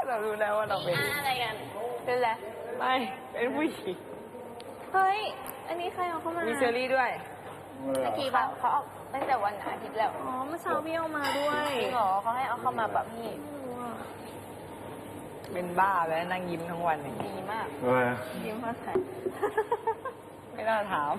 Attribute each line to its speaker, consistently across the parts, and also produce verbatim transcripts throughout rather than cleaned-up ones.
Speaker 1: เรารู้แล้วว่าเราเป็น
Speaker 2: อะไรกัน
Speaker 1: เป็นอะไรไม่เป็นผู้หญิง
Speaker 2: เฮ้ย อันนี้ใครเอาเข้ามา
Speaker 1: มีเชอรี่ด้วย
Speaker 3: เมื่อ
Speaker 2: เมื่อกี้ป่ะเขาเอาตั้งแต่วันอาทิตย์แล้ว
Speaker 4: อ๋อเมื่อเช้าพี่เอามาด้วย
Speaker 2: จริงเหรอเขาให้เอาเข้ามาแบบพี่
Speaker 1: เป็นบ้าแล้วนั่งยิ้มทั้งวันอย่างนี้
Speaker 2: ดีมาก
Speaker 3: อะไร
Speaker 4: ยิ้มมาใส่
Speaker 1: ไม่น่าถาม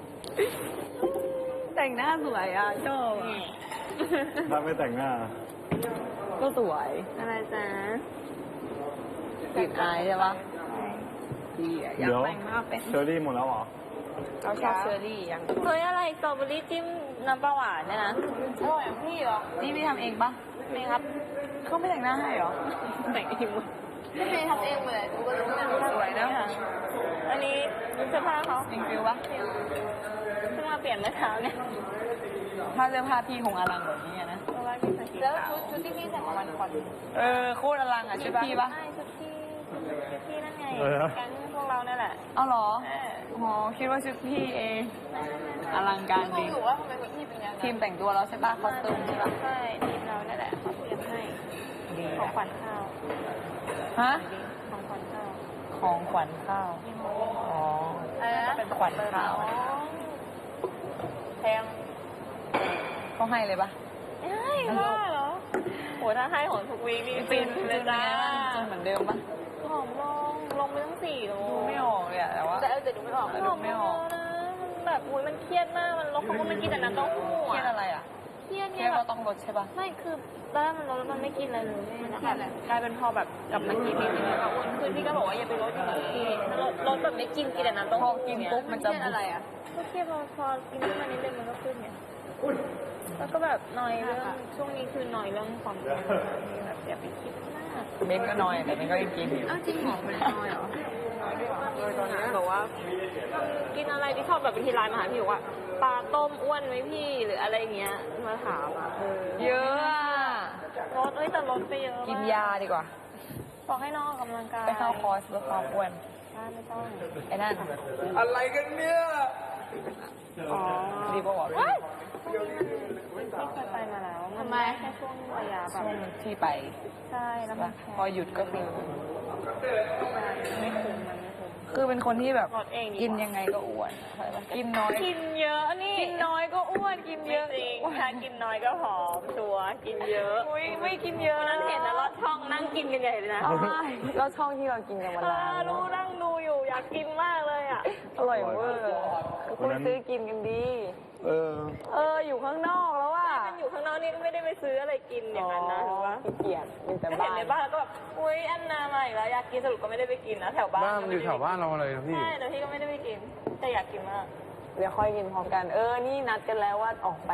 Speaker 1: แต่งหน้าสวยอ่ะชอบอะ
Speaker 3: ถ้าไม่แต่งหน้า
Speaker 1: ก็สวย
Speaker 4: อะไรจ๊ะ
Speaker 1: ติดอายใช่ปะดีอ่ะอยาก
Speaker 3: เดี๋ยว
Speaker 1: แต่งหน้าเป็น
Speaker 3: เชอรี่หมดแล้วเหรอ
Speaker 1: เราชอบเชอรี่อย่าง
Speaker 4: เฮ้ยอะไรสตรอเบอรี่จิ้มน้ำปลาหวานเนี่ยนะ
Speaker 2: อร่อยอย่างพี่เหรอ
Speaker 1: นี่พี่ทำเองปะ
Speaker 2: ไม่ครับ
Speaker 1: เขาไม่แต่งหน้าให้เหรอ
Speaker 4: แต่งเองหมด
Speaker 2: ไม่เคยทำเองเลยกูก็รู้นะ
Speaker 1: สวยนะ
Speaker 4: อันนี้เสื้อผ้าเขา
Speaker 1: จริงฟิวปะ
Speaker 4: เสื้อผ้าเปลี่ยนเมื่อเช้าเนี่ย
Speaker 1: ถ้าเสื้อผ้าพี่คงอลังแบบนี้อะนะ
Speaker 4: เพราะว่าพี่ใส่สี
Speaker 2: แล้ว
Speaker 4: ขาว
Speaker 2: ชุดชุดที่พี่ใส่มาวันก่อน
Speaker 1: เออโคตรอลังอ่ะชุดพี่ปะ
Speaker 4: ใช่ชุดพี่ชุดพี่นั่นไง
Speaker 3: เออ
Speaker 4: แก๊งพวกเราเนี่ยแหละ
Speaker 1: เอาเหรอ
Speaker 4: เออ
Speaker 1: อ๋อคิดว่าชุดพี่เองอลังการจ
Speaker 2: พี่ง
Speaker 1: ริ
Speaker 2: ง
Speaker 1: ง
Speaker 2: อยู่ว่าทำไมคนพี่เป็นอย่างนั้น
Speaker 1: ทีมแต่งตัวแล้วใช่ปะคอสตูมใช่ปะ
Speaker 4: ใช่ทีมเราเนี่ยแหละเขาเตรียมให้
Speaker 1: ดี
Speaker 4: ของขวัญข้าว
Speaker 1: ฮะ
Speaker 4: ของขวัญข้าว
Speaker 1: ของขวัญข้าว
Speaker 4: ยี่ห้อ
Speaker 1: อ๋อ
Speaker 2: อะไรนะ
Speaker 1: เป็นขวัญข้าว
Speaker 2: แพง
Speaker 1: เขาให้เลยปะ
Speaker 4: ใช่ว่าเหรอโหถ้าให้ของทุกวีคนี่
Speaker 1: ฟิ
Speaker 4: ฟิ
Speaker 1: น
Speaker 4: น
Speaker 1: เล
Speaker 4: เลย ย
Speaker 1: จ้า
Speaker 4: จ้า
Speaker 1: จนเหมือนเดิมปะ
Speaker 4: ผอมลงลงไปตั้งสี่โล
Speaker 1: ดูไม่ออกเลยอะแต่ว่า
Speaker 2: แต่เออแต่ดูไม่ออก
Speaker 1: แต่
Speaker 4: ผอมไม่ออกนะมันแบบอุ้ยมันเครียดมากมันลดเขาก็ไม่กินแต่น้ำเต้าหู้
Speaker 1: เครียด
Speaker 4: อะ
Speaker 1: อะไรอ่ะ
Speaker 4: เครียด
Speaker 1: เค
Speaker 4: ไง
Speaker 1: รียด
Speaker 4: แบ
Speaker 1: เรา
Speaker 4: บ
Speaker 1: ต้องลดใช่ปะ
Speaker 4: ไม่คือตอนแรกมันลดแล้วมันไม่กินอะไรเลยมันแบบกลายเป็นพอแบบกลับมากินนิดนึงแล้วก็อ้วนขึ้นพี่ก็บอกว่าอย่าไปลดอย่างนี้ถ้าลดลดแบบไม่กินกินแต่น้ำเต้า
Speaker 1: พอ
Speaker 4: หู้
Speaker 1: กิน
Speaker 4: เย
Speaker 1: ปุ๊บมันจะ
Speaker 2: เครียดอะไรอ่ะ
Speaker 4: ก็เครียดพอพอกินขึ้นมานิดนึงมันก็ขึ้นไงแล้วก็แบบนอยเรื่องช่วงนี้คือนอยเรื่องความอ้วนแบบอย่าไปคิดมาก
Speaker 1: เม้นก็น้อยแต่เม้นก็ยังกินอยู่
Speaker 2: อ้าวจริงเหรอมันน้อยเหรอ
Speaker 4: เออตอนนี้บอกว่ากินอะไรที่ชอบแบบวิธีไลน์มาหาพี่บอกว่าปลาต้มอ้วนไหมพี่หรืออะไรเงี้ยมาถามอ่ะเออ
Speaker 1: เยอะอะ
Speaker 4: ลดเอ้ยแต่ลดไปเยอะ
Speaker 1: กินยาดีกว่า
Speaker 4: บอกให้น้องออกกำลังกาย
Speaker 1: ไปเข้าคอร์สลดความอ้วน
Speaker 4: ใช่ไม่ต้อง
Speaker 1: ไอ้นั่น
Speaker 3: อะไรกันเนี่ย
Speaker 4: อ๋อ
Speaker 1: ดีป่าวะ
Speaker 4: เฮ้ยช่วงนี้มันไม่เคยไปมาแล้วมันได้แค่ช่วงระยะแบ
Speaker 1: ช่
Speaker 4: บ
Speaker 1: วงที่ไป
Speaker 4: ใช่แล้วมันแพง
Speaker 1: พอหยุดก็คือ
Speaker 4: ไม่คุ้มมันไม่คุ้ม
Speaker 1: คือเป็นคนที่แบบ
Speaker 4: ลดเองดีกว่า
Speaker 1: กินยังไงก็อ้วนเข้าใจปะกินน้อย
Speaker 4: กินเยอะนี่
Speaker 1: กินน้อยก็อ้วน กินเยอะ
Speaker 4: จริงถ้ากินน้อยก็ผอมชัวร์กินเยอะ
Speaker 1: อุ้ยไม่กินเยอะ
Speaker 4: วันนั้นเห็นนะลอดช่องนั่งกินกันใหญ่เลยนะ
Speaker 1: ใช่แล้วช่องที่เรากินกันวัน
Speaker 4: เอ
Speaker 1: ละ
Speaker 4: อรู้นั่งดูอยู่อยากกินมากเลยอ่ะ
Speaker 1: อร่อยเวอร์คุณซื้อกินกันดี
Speaker 3: เออ
Speaker 1: เอออยู่ข้างนอกแล้วอ่ะ
Speaker 4: มันอยู่ข้างนอกนี่ก็ไม่ได้ไปซื้ออะไรกินอย่างนั้นนะหรือว่า
Speaker 1: ขี้เกียจอยู่แต่
Speaker 4: เห็
Speaker 1: บ้าน น
Speaker 4: ในบ้านแล้วก็แบบอุ้ยอันนามาอีกแล้วอยากกินสรุปก็ไม่ได้ไปกินนะแถวบ้าน
Speaker 3: บ้านมันอยู่แถวบ้านเราเลยนะพี่
Speaker 4: ใช่แต่พี่ก็ไม่ได้ไปกินแต่อยากกินมาก
Speaker 1: เดี๋ยวค่อยกินพร้อมกัน เออ นี่นัดกันแล้วว่าออกไป